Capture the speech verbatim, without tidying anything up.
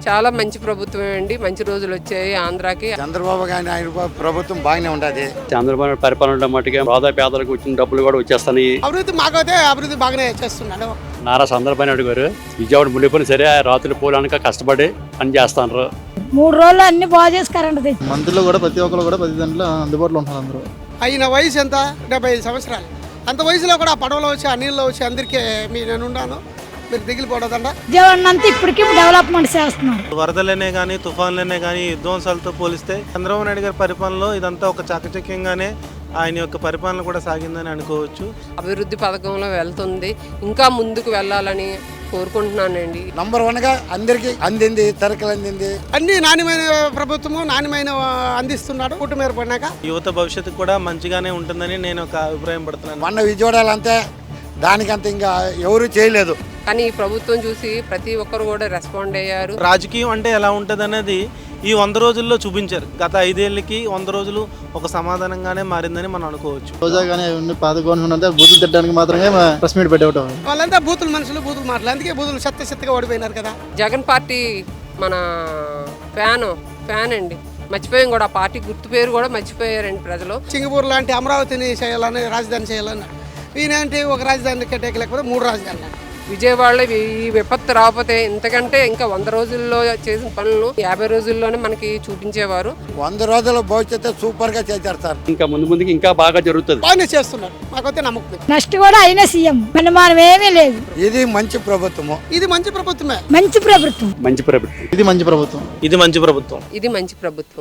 చాలా మంచి ప్రభుత్వం అండి. మంచి రోజులు వచ్చాయి ఆంధ్రాకి. చంద్రబాబు గారి ఆయన ప్రభుత్వం బాగానే ఉండదు. చంద్రబాబు పరిపాలన మట్టుగా పేద పేదలకు వచ్చిన డబ్బులు కూడా వచ్చేస్తాయి. అభివృద్ధి మాకైతే అభివృద్ధి బాగానే చేస్తున్నాడు. నారా చంద్రబాబు నాయుడు గారు విజయవాడ మునిపోయిన సరే రాత్రి పోలానిక కష్టపడి పని చేస్తాను. మూడు రోజులు అన్ని బాగా చేసి కరెంట్ తెచ్చి మంత్రులు కూడా ప్రతి ఒక్కరు కూడా ప్రతి దాంట్లో అందుబాటులో ఉంటారు. అందరూ అయిన వయసు ఎంత? డెబ్బై ఐదు సంవత్సరాలు. అంత వయసులో కూడా పడవలో వచ్చి ఆ నీళ్ళలో వచ్చి అందరికీ మీ నేను ఉన్నాను, మీరు దిగిలిపోవద్దండ. విజయవాడ అంతా ఇప్పటికీ డెవలప్మెంట్ చేస్తున్నారు. వరదలనే కానీ తుఫాన్లనే కానీ విధ్వంసాలతో పోలిస్తే చంద్రబాబు నాయుడు గారి పరిపాలనలో ఇదంతా ఒక చాకచక్యంగానే ఆయన యొక్క పరిపాలన కూడా సాగిందని అనుకోవచ్చు. అభివృద్ధి పథకంలో వెళ్తుంది, ఇంకా ముందుకు వెళ్ళాలని కోరుకుంటున్నానండి. నంబర్ వన్ గా అందరికి అందింది, తరకలు అందింది. అన్ని నాణ్యమైన ప్రభుత్వము నాణ్యమైన అందిస్తున్నాడు. కూటమి ఏర్పడినాక యువత భవిష్యత్తు కూడా మంచిగానే ఉంటుందని నేను ఒక అభిప్రాయం పడుతున్నాను. మొన్న విజయవాడలో అంతే దానికంత ఇంకా ఎవరు చేయలేదు. కానీ ఈ ప్రభుత్వం చూసి ప్రతి ఒక్కరు కూడా రెస్పాండ్ అయ్యారు. రాజకీయం అంటే ఎలా ఉంటుంది అనేది ఈ వంద రోజుల్లో చూపించారు. గత ఐదేళ్ళకి వంద రోజులు ఒక సమాధానంగానే మారిందని మనం అనుకోవచ్చు. రోజా కానీ పాత గవర్నమెంట్ అంతా బూతులు తిట్టడానికి మాత్రమే ప్రెస్ మీట్ పెట్టవటం. వాళ్ళంతా బూతులు మనుషులు, బూతులు మాటలు, అందుకే బూతులు చెత్త చెత్తగా ఓడిపోయినారు కదా. జగన్ పార్టీ మన ఫ్యాన్ ఫ్యాన్ అండి. మర్చిపోయాం కూడా, పార్టీ గుర్తు పేరు కూడా మర్చిపోయారండి ప్రజలు. సింగపూర్ లాంటి అమరావతిని చేయాలని, రాజధాని చేయాలని, ఈయనంటే ఒక రాజధాని కట్టేయలేకపోతే మూడు రాజధానులు. విజయవాడలో ఈ విపత్తు రాకపోతే ఇంతకంటే ఇంకా వంద రోజుల్లో చేసిన పనులు యాభై రోజుల్లోనే మనకి చూపించేవారు. వంద రోజుల భవిష్యత్తు సూపర్ గా చేస్తారు. ఇంకా ముందు ముందుకి ఇంకా బాగా జరుగుతుంది. బాగానే చేస్తున్నారు, మాకైతే నమ్మకం. నెక్స్ట్ కూడా అయినా సీఎం అనుమానం ఏమీ లేదు. ఇది మంచి ప్రభుత్వము. ఇది మంచి ప్రభుత్వమే. మంచి ప్రభుత్వం. మంచి ప్రభుత్వం. ఇది మంచి ప్రభుత్వం. ఇది మంచి ప్రభుత్వం. ఇది మంచి ప్రభుత్వం.